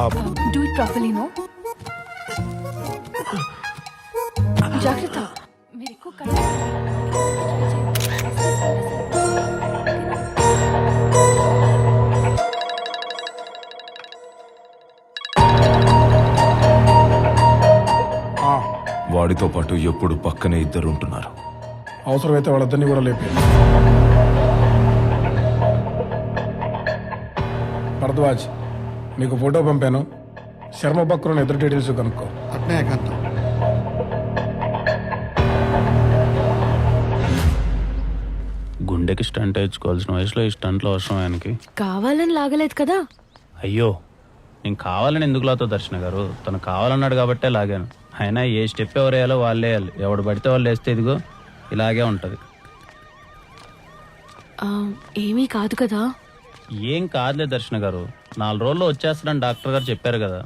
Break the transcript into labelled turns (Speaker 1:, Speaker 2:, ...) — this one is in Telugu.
Speaker 1: Do it properly no. జాగ్రత్త, మీరు ఎక్కువ
Speaker 2: వాడితో పాటు ఎప్పుడు పక్కనే ఇద్దరు ఉంటున్నారు.
Speaker 3: అవసరమైతే వాళ్ళిద్దరిని కూడా లేపి. భరద్వాజ్, నీకు ఫోటో పంపాను. శర్మ బక్రోని ఇద్దరు డీటెయిల్స్ కనుక్కో.
Speaker 4: అట్నే ఏకాంతం.
Speaker 5: గుండెకి స్టంట్ వేయించుకోవాల్సిన వయసులో ఈ స్టంట్లో అవసరం ఆయనకి.
Speaker 1: కావాలని లాగలేదు కదా.
Speaker 5: అయ్యో, నేను కావాలని ఎందుకు లాతో దర్శన గారు, తను కావాలన్నాడు కాబట్టే లాగాను. అయినా ఏ స్టెప్ ఎవరు వేయాలో వాళ్ళే వేయాలి. ఎవడు పడితే వాళ్ళు వేస్తే ఇదిగో ఇలాగే ఉంటుంది.
Speaker 1: ఏమీ కాదు కదా.
Speaker 5: ఏం కాదులే దర్శన గారు, 4 రోజుల్లో వచ్చేస్తాడని డాక్టర్ గారు చెప్పారు కదా.